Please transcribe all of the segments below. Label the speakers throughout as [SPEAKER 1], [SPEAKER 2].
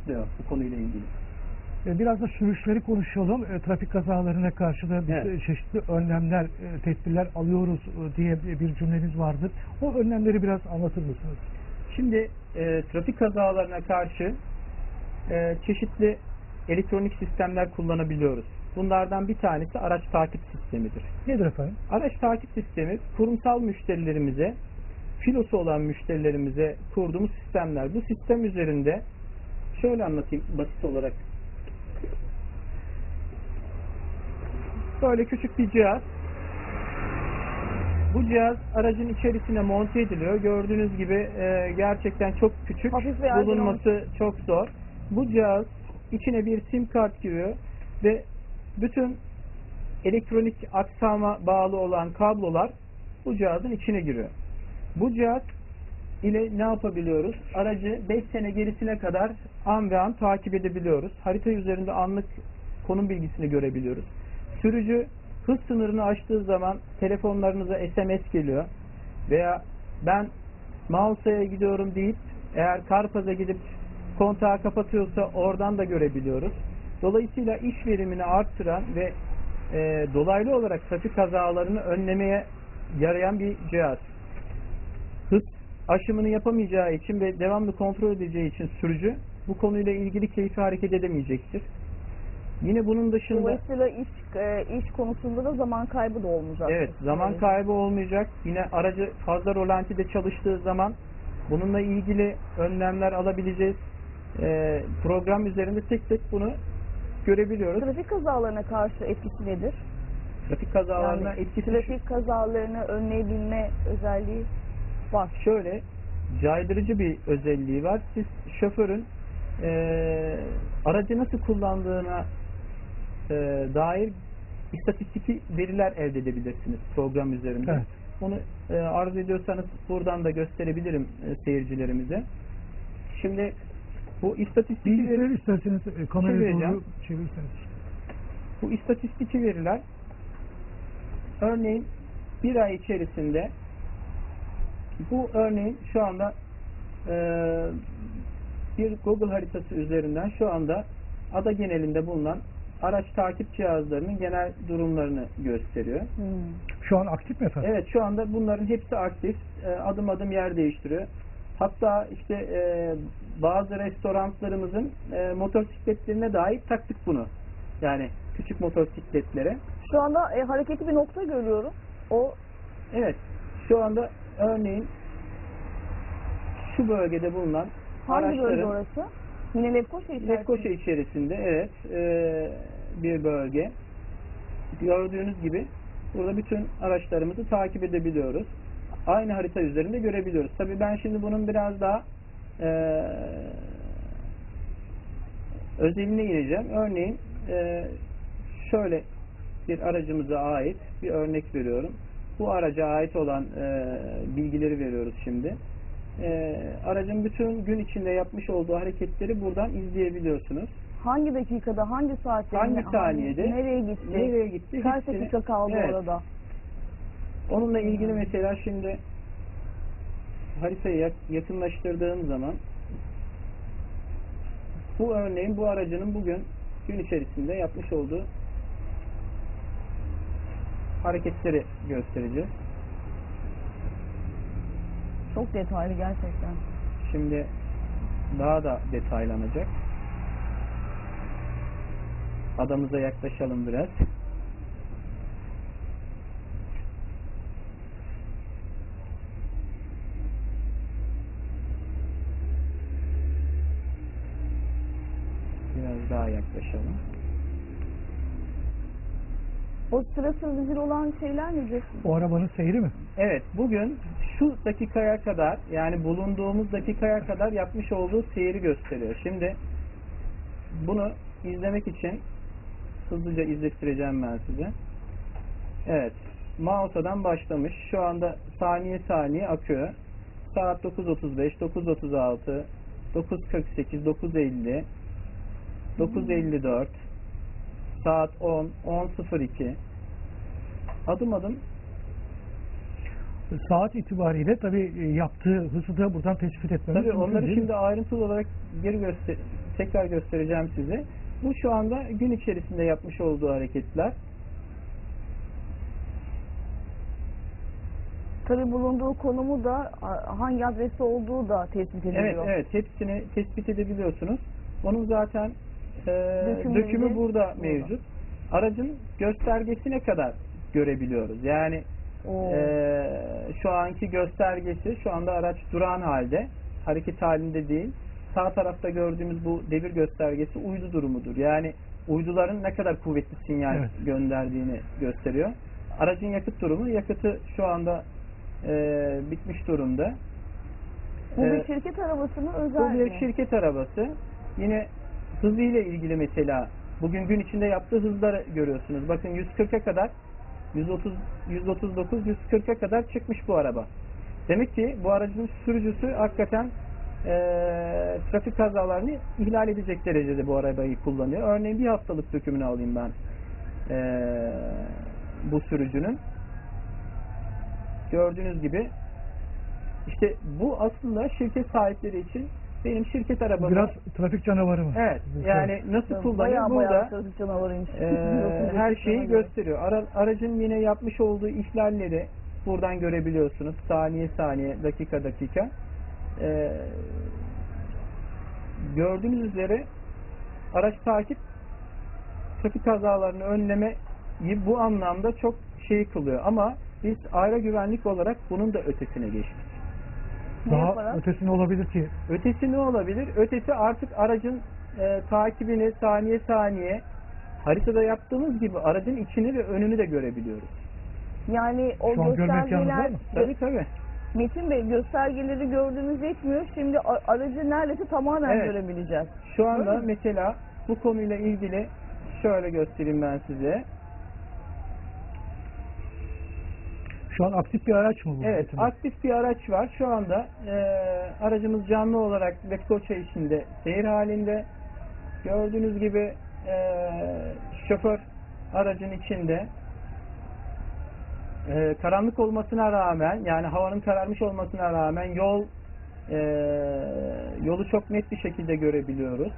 [SPEAKER 1] açıklıyor bu konuyla ilgili.
[SPEAKER 2] Biraz da sürüşleri konuşalım. Trafik kazalarına karşı da biz
[SPEAKER 1] Evet.
[SPEAKER 2] çeşitli önlemler, tedbirler alıyoruz diye bir cümleniz vardır. O önlemleri biraz anlatır mısınız?
[SPEAKER 1] Şimdi trafik kazalarına karşı çeşitli elektronik sistemler kullanabiliyoruz. Bunlardan bir tanesi araç takip sistemidir.
[SPEAKER 2] Nedir efendim?
[SPEAKER 1] Araç takip sistemi kurumsal müşterilerimize, filosu olan müşterilerimize kurduğumuz sistemler. Bu sistem üzerinde şöyle anlatayım basit olarak. Böyle küçük bir cihaz. Bu cihaz aracın içerisine monte ediliyor. Gördüğünüz gibi gerçekten çok küçük.
[SPEAKER 3] Hafif ve ergonomik.
[SPEAKER 1] Bulunması çok zor. Bu cihaz içine bir sim kart giriyor ve bütün elektronik aksama bağlı olan kablolar bu cihazın içine giriyor. Bu cihaz ile ne yapabiliyoruz? Aracı 5 sene gerisine kadar an ve an takip edebiliyoruz. Harita üzerinde anlık konum bilgisini görebiliyoruz. Sürücü hız sınırını aştığı zaman telefonlarınıza SMS geliyor. Veya ben Mausa'ya gidiyorum deyip eğer Karpaz'a gidip kontağı kapatıyorsa oradan da görebiliyoruz. Dolayısıyla iş verimini arttıran ve dolaylı olarak trafik kazalarını önlemeye yarayan bir cihaz. Hız aşımını yapamayacağı için ve devamlı kontrol edeceği için sürücü bu konuyla ilgili keyfi hareket edemeyecektir. Yine bunun dışında
[SPEAKER 3] Dolayısıyla iş konusunda da zaman kaybı da olmayacak.
[SPEAKER 1] evet, zaman kaybı olmayacak. Yine aracı fazla rolantide çalıştığı zaman bununla ilgili önlemler alabileceğiz. Program üzerinde tek tek bunu görebiliyoruz.
[SPEAKER 3] Trafik kazalarına karşı etkisi nedir?
[SPEAKER 1] Trafik kazalarına
[SPEAKER 3] Yani
[SPEAKER 1] etkisi
[SPEAKER 3] trafik kazalarını önleyebilme özelliği var.
[SPEAKER 1] şöyle, caydırıcı bir özelliği var. Siz şoförün aracı nasıl kullandığına dair istatistik veriler elde edebilirsiniz program üzerinde.
[SPEAKER 2] Evet.
[SPEAKER 1] Onu arzu ediyorsanız buradan da gösterebilirim seyircilerimize. Şimdi bu istatistik
[SPEAKER 2] Bilgisayarı isterseniz kameraya
[SPEAKER 1] Çevireceğim.
[SPEAKER 2] doğru çevirirseniz.
[SPEAKER 1] Bu istatistik veriler örneğin bir ay içerisinde bu örneğin şu anda bir Google haritası üzerinden şu anda ada genelinde bulunan araç takip cihazlarının genel durumlarını gösteriyor.
[SPEAKER 2] Şu an aktif mi efendim?
[SPEAKER 1] Evet, şu anda bunların hepsi aktif. Adım adım yer değiştiriyor. Hatta işte bazı restoranlarımızın motosikletlerine dahi taktık bunu. Yani küçük motosikletlere.
[SPEAKER 3] Şu anda hareketli bir nokta görüyorum. O
[SPEAKER 1] Evet, şu anda örneğin şu bölgede bulunan
[SPEAKER 3] hangi bölge
[SPEAKER 1] araçların
[SPEAKER 3] orası? Yine Lefkoşa içerisinde.
[SPEAKER 1] Lefkoşa içerisinde evet bir bölge. Gördüğünüz gibi burada bütün araçlarımızı takip edebiliyoruz. Aynı harita üzerinde görebiliyoruz. Tabii ben şimdi bunun biraz daha özeline ineceğim. Örneğin şöyle bir aracımıza ait bir örnek veriyorum. Bu araca ait olan bilgileri veriyoruz şimdi. Aracın bütün gün içinde yapmış olduğu hareketleri buradan izleyebiliyorsunuz.
[SPEAKER 3] Hangi dakikada, hangi saatte,
[SPEAKER 1] Hangi saniyede,
[SPEAKER 3] nereye gitti, kaç
[SPEAKER 1] hepsini-
[SPEAKER 3] dakika kaldı
[SPEAKER 1] Evet.
[SPEAKER 3] orada?
[SPEAKER 1] Onunla ilgili mesela şimdi haritayı yakınlaştırdığım zaman bu örneğin bu aracının bugün gün içerisinde yapmış olduğu hareketleri göstereceğiz.
[SPEAKER 3] Çok detaylı gerçekten.
[SPEAKER 1] Şimdi daha da detaylanacak. Adamıza yaklaşalım biraz. Biraz daha yaklaşalım.
[SPEAKER 3] O sırasız vizir olan şeyler nedir?
[SPEAKER 2] O arabanın seyri mi?
[SPEAKER 1] Evet, bugün şu dakikaya kadar, yani bulunduğumuz dakikaya kadar yapmış olduğu seyri gösteriyor. Şimdi bunu izlemek için hızlıca izlettireceğim ben size. Evet, Mausa'dan başlamış. Şu anda saniye saniye akıyor. Saat 9.35, 9.36, 9.48, 9.50, 9.54, saat 10, 10.02. Adım adım
[SPEAKER 2] Saat itibariyle tabii yaptığı hızı da buradan tespit etmemiz
[SPEAKER 1] tabii
[SPEAKER 2] mümkün
[SPEAKER 1] onları
[SPEAKER 2] değil mi?
[SPEAKER 1] şimdi ayrıntılı olarak geri tekrar göstereceğim size. Bu şu anda gün içerisinde yapmış olduğu hareketler.
[SPEAKER 3] Tabii bulunduğu konumu da hangi adresi olduğu da tespit ediliyor.
[SPEAKER 1] Evet, evet. Hepsini tespit edebiliyorsunuz. Onun zaten
[SPEAKER 3] Dökümleri
[SPEAKER 1] dökümü burada
[SPEAKER 3] burada.
[SPEAKER 1] mevcut. Aracın göstergesine kadar görebiliyoruz. Yani
[SPEAKER 3] Oo.
[SPEAKER 1] şu anki göstergesi, şu anda araç durağan halde, hareket halinde değil. Sağ tarafta gördüğümüz bu devir göstergesi uydu durumudur. Yani uyduların ne kadar kuvvetli sinyal
[SPEAKER 2] Evet.
[SPEAKER 1] gönderdiğini gösteriyor. Aracın yakıt durumu, yakıtı şu anda bitmiş durumda.
[SPEAKER 3] Bu bir şirket arabası mı, özel
[SPEAKER 1] Bu bir
[SPEAKER 3] mi?
[SPEAKER 1] şirket arabası. Yine hızıyla ilgili mesela bugün gün içinde yaptığı hızları görüyorsunuz. Bakın 140'a kadar 139 140'a kadar çıkmış bu araba. Demek ki bu aracın sürücüsü hakikaten trafik kazalarını ihlal edecek derecede bu arabayı kullanıyor. Örneğin bir haftalık dökümünü alayım ben bu sürücünün. Gördüğünüz gibi işte bu aslında şirket sahipleri için benim şirket arabam.
[SPEAKER 2] Biraz trafik canavarı mı?
[SPEAKER 1] Evet. Yani nasıl kullanıyor
[SPEAKER 3] Bayağı
[SPEAKER 1] burada
[SPEAKER 3] trafik canavarıymış.
[SPEAKER 1] her şeyi gösteriyor. Aracın yine yapmış olduğu ihlalleri buradan görebiliyorsunuz. Saniye saniye, dakika dakika. Gördüğünüz üzere araç takip trafik kazalarını önlemeyi bu anlamda çok şey kılıyor. Ama biz ayrı güvenlik olarak bunun da ötesine geçtik.
[SPEAKER 3] Ne
[SPEAKER 2] Daha
[SPEAKER 3] yaparak?
[SPEAKER 2] ötesi ne olabilir ki?
[SPEAKER 1] Ötesi ne olabilir? Ötesi artık aracın takibini saniye saniye haritada yaptığımız gibi aracın içini ve önünü de görebiliyoruz.
[SPEAKER 3] Yani o
[SPEAKER 2] Şu an görme imkanınız var
[SPEAKER 3] göstergeler,
[SPEAKER 2] mı?
[SPEAKER 1] Tabii tabii.
[SPEAKER 3] Metin Bey, göstergeleri gördüğümüz yetmiyor. Şimdi aracı neredeyse tamamen
[SPEAKER 1] Evet.
[SPEAKER 3] görebileceğiz.
[SPEAKER 1] Şu anda
[SPEAKER 3] Öyle mi?
[SPEAKER 1] mesela bu konuyla ilgili şöyle göstereyim ben size.
[SPEAKER 2] Şu an aktif bir araç mı bu?
[SPEAKER 1] Evet,
[SPEAKER 2] Metin Bey?
[SPEAKER 1] aktif bir araç var. Şu anda aracımız canlı olarak Lefkoça içinde seyir halinde. Gördüğünüz gibi şoför aracın içinde. Karanlık olmasına rağmen, yani havanın kararmış olmasına rağmen yolu çok net bir şekilde görebiliyoruz.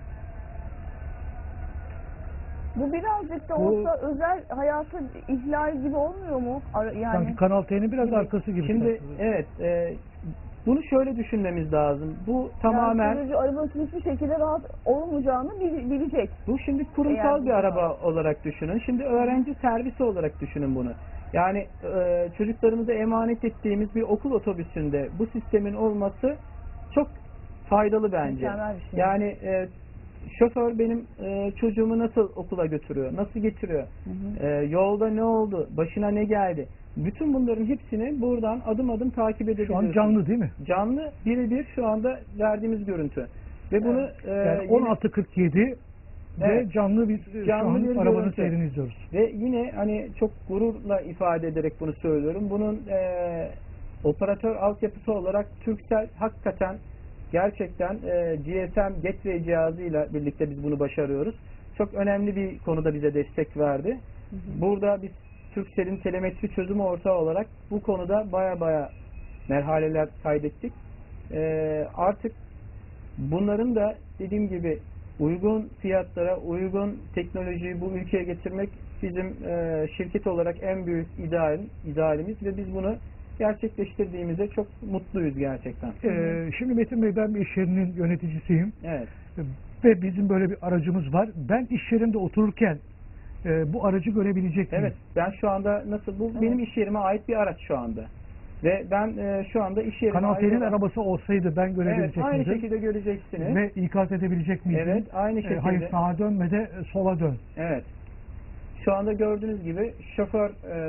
[SPEAKER 3] Bu birazcık da
[SPEAKER 2] Bu-
[SPEAKER 3] olsa özel hayatı ihlal gibi olmuyor mu? Yani
[SPEAKER 2] Sanki Kanal T'nin biraz
[SPEAKER 3] Gibi.
[SPEAKER 2] arkası gibi.
[SPEAKER 1] Şimdi evet, bunu şöyle düşünmemiz lazım. Bu tamamen,
[SPEAKER 3] yani sürücü arabanın hiçbir şekilde rahat olmayacağını bilecek.
[SPEAKER 1] bu şimdi kurumsal
[SPEAKER 3] Eğer
[SPEAKER 1] bir
[SPEAKER 3] bu
[SPEAKER 1] araba olarak düşünün. Şimdi öğrenci servisi olarak düşünün bunu. Yani çocuklarımıza emanet ettiğimiz bir okul otobüsünde bu sistemin olması çok faydalı bence.
[SPEAKER 3] Mükemmel bir şey.
[SPEAKER 1] Yani şoför benim çocuğumu nasıl okula götürüyor, nasıl getiriyor,
[SPEAKER 3] Hı hı.
[SPEAKER 1] yolda ne oldu, başına ne geldi. Bütün bunların hepsini buradan adım adım takip
[SPEAKER 2] Şu
[SPEAKER 1] edebiliyorsunuz.
[SPEAKER 2] an canlı değil mi?
[SPEAKER 1] Canlı birebir şu anda verdiğimiz görüntü. Ve bunu
[SPEAKER 2] Yani
[SPEAKER 1] yine-
[SPEAKER 2] 16.47
[SPEAKER 1] Evet.
[SPEAKER 2] ve canlı bir
[SPEAKER 1] Canlı
[SPEAKER 2] şu an
[SPEAKER 1] bir
[SPEAKER 2] arabanın
[SPEAKER 1] görüntü.
[SPEAKER 2] seyrini izliyoruz.
[SPEAKER 1] Ve yine hani çok gururla ifade ederek bunu söylüyorum. Bunun operatör altyapısı olarak Turkcell hakikaten gerçekten GSM Gateway cihazıyla birlikte biz bunu başarıyoruz. Çok önemli bir konuda bize destek verdi.
[SPEAKER 3] Hı hı.
[SPEAKER 1] Burada biz Turkcell'in telemetri çözümü ortağı olarak bu konuda baya merhaleler kaydettik. Artık bunların da dediğim gibi uygun fiyatlara, uygun teknolojiyi bu ülkeye getirmek bizim şirket olarak en büyük idealimiz ve biz bunu gerçekleştirdiğimizde çok mutluyuz gerçekten.
[SPEAKER 2] Şimdi Metin Bey, ben bir iş yerinin yöneticisiyim.
[SPEAKER 1] Evet.
[SPEAKER 2] Ve bizim böyle bir aracımız var. Ben iş yerinde otururken bu aracı görebilecek miyim?
[SPEAKER 1] Evet. Ben şu anda nasıl bu
[SPEAKER 3] Evet.
[SPEAKER 1] benim iş yerime ait bir araç şu anda. Ve ben şu anda iş yerime
[SPEAKER 2] Kanal
[SPEAKER 1] ait
[SPEAKER 2] T'nin
[SPEAKER 1] olan-
[SPEAKER 2] arabası olsaydı ben
[SPEAKER 1] Evet,
[SPEAKER 2] görebilecek
[SPEAKER 1] aynı
[SPEAKER 2] miydim?
[SPEAKER 1] şekilde göreceksiniz.
[SPEAKER 2] Ve ikaz edebilecek miydim?
[SPEAKER 1] Evet, aynı şekilde.
[SPEAKER 2] Hayır, sağa dönme de sola dön.
[SPEAKER 1] Evet. Şu anda gördüğünüz gibi şoför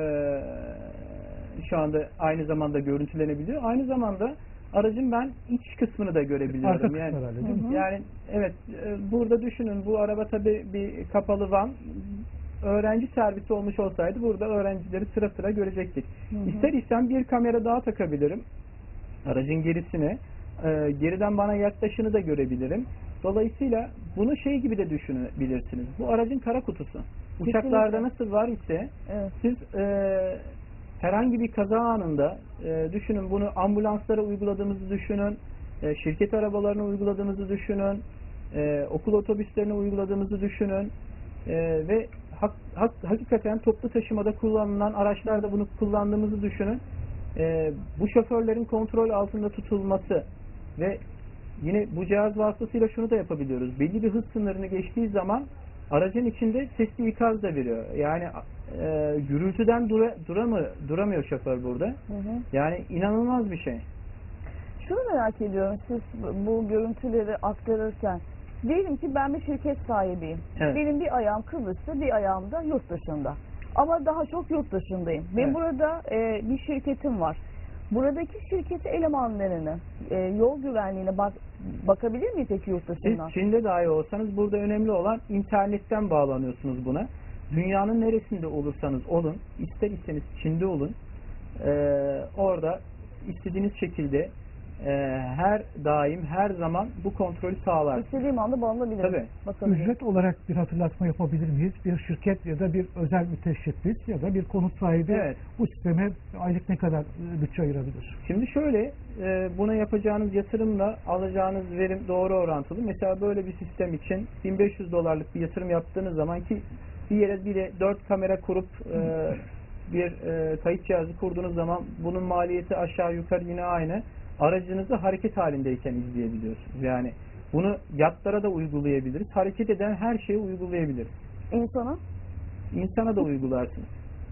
[SPEAKER 1] şu anda aynı zamanda görüntülenebiliyor. Aynı zamanda aracın ben iç kısmını da görebiliyorum.
[SPEAKER 2] Arka kısmı
[SPEAKER 1] Yani,
[SPEAKER 2] herhalde değil mi?
[SPEAKER 3] Hı hı.
[SPEAKER 1] yani evet, burada düşünün, bu araba tabii bir kapalı van, öğrenci servisi olmuş olsaydı burada öğrencileri sıra sıra görecektik.
[SPEAKER 3] Hı hı.
[SPEAKER 1] İster istem bir kamera daha takabilirim aracın gerisine. Geriden bana yaklaşını da görebilirim. Dolayısıyla bunu şey gibi de düşünebilirsiniz. Bu aracın kara kutusu. Uçaklarda nasıl var ise
[SPEAKER 3] Evet.
[SPEAKER 1] siz herhangi bir kaza anında düşünün, bunu ambulanslara uyguladığımızı düşünün, şirket arabalarına uyguladığımızı düşünün, okul otobüslerine uyguladığımızı düşünün. Ve hakikaten toplu taşımada kullanılan araçlarda bunu kullandığımızı düşünün. Bu şoförlerin kontrol altında tutulması ve yine bu cihaz vasıtasıyla şunu da yapabiliyoruz. Belli bir hız sınırını geçtiği zaman aracın içinde sesli ikaz da veriyor. Yani gürültüden duramıyor şoför burada.
[SPEAKER 3] Hı hı.
[SPEAKER 1] Yani inanılmaz bir şey.
[SPEAKER 3] Şunu merak ediyorum, siz bu görüntüleri aktarırken, diyelim ki ben bir şirket sahibiyim.
[SPEAKER 1] Evet.
[SPEAKER 3] Benim bir ayağım Kıbrıs'ta, bir ayağım da yurt dışında. Ama daha çok yurt dışındayım. Ve
[SPEAKER 1] Evet.
[SPEAKER 3] burada bir şirketim var. Buradaki şirket elemanlarını, yol güvenliğine bakabilir miyim peki yurt
[SPEAKER 1] Siz
[SPEAKER 3] dışından?
[SPEAKER 1] Çin'de dahi olsanız burada önemli olan internetten bağlanıyorsunuz buna. Dünyanın neresinde olursanız olun, ister iseniz Çin'de olun, orada istediğiniz şekilde her daim, her zaman bu kontrolü sağlar.
[SPEAKER 3] İstediğim anda bağlanabilirim.
[SPEAKER 1] Tabii.
[SPEAKER 3] Bakabilirim.
[SPEAKER 2] Ücret olarak bir hatırlatma yapabilir miyiz? Bir şirket ya da bir özel müteşebbis ya da bir konut sahibi
[SPEAKER 1] Evet.
[SPEAKER 2] bu sisteme aylık ne kadar bütçe ayırabilir?
[SPEAKER 1] Şimdi şöyle, buna yapacağınız yatırımla alacağınız verim doğru orantılı. Mesela böyle bir sistem için $1500 bir yatırım yaptığınız zaman ki bir yere bir de 4 kamera kurup bir kayıt cihazı kurduğunuz zaman bunun maliyeti aşağı yukarı yine aynı. Aracınızı hareket halindeyken izleyebiliyorsunuz. Yani bunu yatlara da uygulayabiliriz. Hareket eden her şeye uygulayabiliriz.
[SPEAKER 3] İnsana
[SPEAKER 1] İnsana da uygularsınız.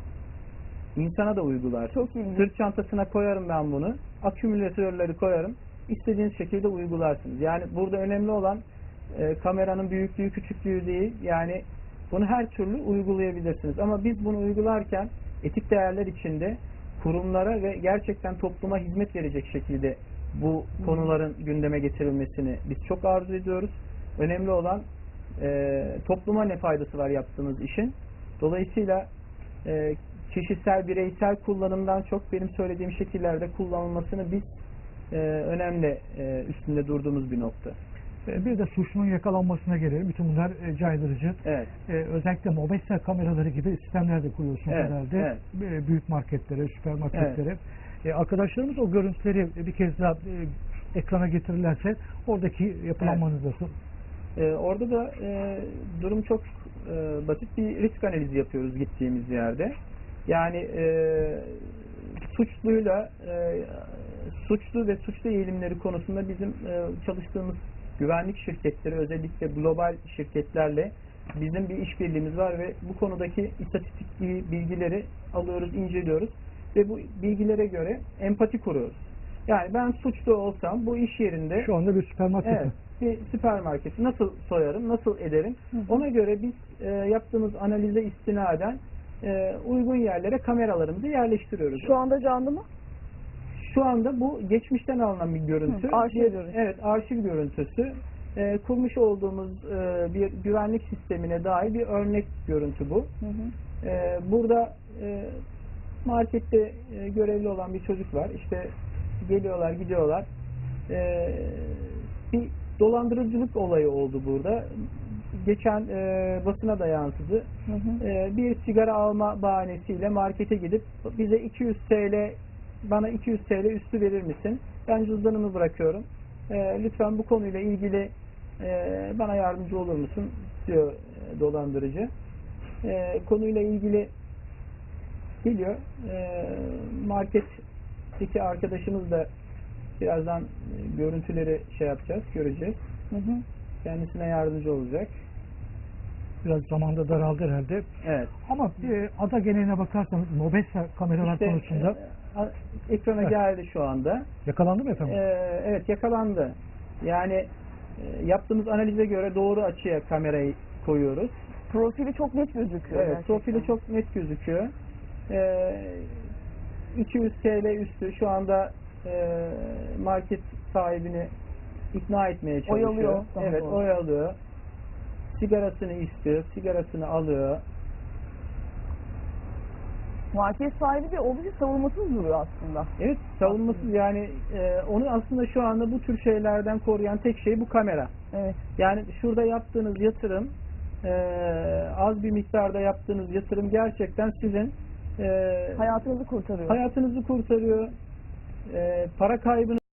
[SPEAKER 1] İnsana da uygularsınız.
[SPEAKER 3] çok ilginç.
[SPEAKER 1] Sırt çantasına koyarım ben bunu. Akümülatörleri koyarım. İstediğiniz şekilde uygularsınız. Yani burada önemli olan kameranın büyüklüğü, küçüklüğü değil. Yani bunu her türlü uygulayabilirsiniz. Ama biz bunu uygularken etik değerler içinde kurumlara ve gerçekten topluma hizmet verecek şekilde bu konuların gündeme getirilmesini biz çok arzu ediyoruz. Önemli olan topluma ne faydası var yaptığımız işin. Dolayısıyla kişisel, bireysel kullanımdan çok benim söylediğim şekillerde kullanılmasını biz önemli üstünde durduğumuz bir nokta.
[SPEAKER 2] Bir de suçlunun yakalanmasına gelelim. Bütün bunlar caydırıcı.
[SPEAKER 1] Evet.
[SPEAKER 2] Özellikle Mobesa kameraları gibi sistemler de kuruyorsunuz
[SPEAKER 1] Evet,
[SPEAKER 2] herhalde. Büyük marketlere, süpermarketlere. Arkadaşlarımız o görüntüleri bir kez daha ekrana getirirlerse oradaki yapılanmanız nasıl?
[SPEAKER 1] Orada da durum çok basit, bir risk analizi yapıyoruz gittiğimiz yerde. Yani suçlu ve suçlu eğilimleri konusunda bizim çalıştığımız güvenlik şirketleri, özellikle global şirketlerle bizim bir işbirliğimiz var ve bu konudaki istatistik bilgileri alıyoruz, inceliyoruz ve bu bilgilere göre empati kuruyoruz. Yani ben suçlu olsam bu iş yerinde
[SPEAKER 2] Şu anda bir süpermarket.
[SPEAKER 1] evet, bir süpermarketi nasıl soyarım, nasıl ederim? Ona göre biz yaptığımız analize istinaden uygun yerlere kameralarımızı yerleştiriyoruz.
[SPEAKER 3] Şu anda canlı mı?
[SPEAKER 1] Şu anda bu geçmişten alınan bir görüntü.
[SPEAKER 3] Arşiv görüntüsü.
[SPEAKER 1] Evet, arşiv görüntüsü. Kurmuş olduğumuz bir güvenlik sistemine dair bir örnek görüntü bu.
[SPEAKER 3] Hı hı.
[SPEAKER 1] Burada markette görevli olan bir çocuk var. İşte geliyorlar, gidiyorlar. Bir dolandırıcılık olayı oldu burada. Geçen basına da yansıdı.
[SPEAKER 3] Hı hı.
[SPEAKER 1] Bir sigara alma bahanesiyle markete gidip bize 200 TL, bana 200 TL üstü verir misin? Ben cüzdanımı bırakıyorum. Lütfen bu konuyla ilgili bana yardımcı olur musun? Diyor dolandırıcı. Konuyla ilgili geliyor. Marketteki arkadaşımız da birazdan görüntüleri göreceğiz.
[SPEAKER 3] Hı hı.
[SPEAKER 1] Kendisine yardımcı olacak.
[SPEAKER 2] Biraz zamanda daraldı herhalde.
[SPEAKER 1] Evet.
[SPEAKER 2] Ama ada geneline bakarsanız Mobesa kameralar
[SPEAKER 1] İşte,
[SPEAKER 2] konusunda
[SPEAKER 1] ekrana
[SPEAKER 2] evet,
[SPEAKER 1] geldi şu anda.
[SPEAKER 2] yakalandı mı efendim?
[SPEAKER 1] Evet, yakalandı. Yani yaptığımız analize göre doğru açıya kamerayı koyuyoruz.
[SPEAKER 3] Profili çok net gözüküyor.
[SPEAKER 1] Evet,
[SPEAKER 3] gerçekten.
[SPEAKER 1] profili çok net gözüküyor. 200 TL üstü şu anda market sahibini ikna etmeye çalışıyor.
[SPEAKER 3] Oyalıyor, daha
[SPEAKER 1] Evet,
[SPEAKER 3] doğrusu.
[SPEAKER 1] oyalıyor. Sigarasını istiyor, sigarasını alıyor.
[SPEAKER 3] Market sahibi de oldukça savunmasız duruyor aslında.
[SPEAKER 1] Evet, savunmasız yani onu aslında şu anda bu tür şeylerden koruyan tek şey bu kamera.
[SPEAKER 3] Evet.
[SPEAKER 1] Yani şurada yaptığınız yatırım, az bir miktarda yaptığınız yatırım gerçekten sizin
[SPEAKER 3] Hayatınızı kurtarıyor.
[SPEAKER 1] hayatınızı kurtarıyor. Para kaybını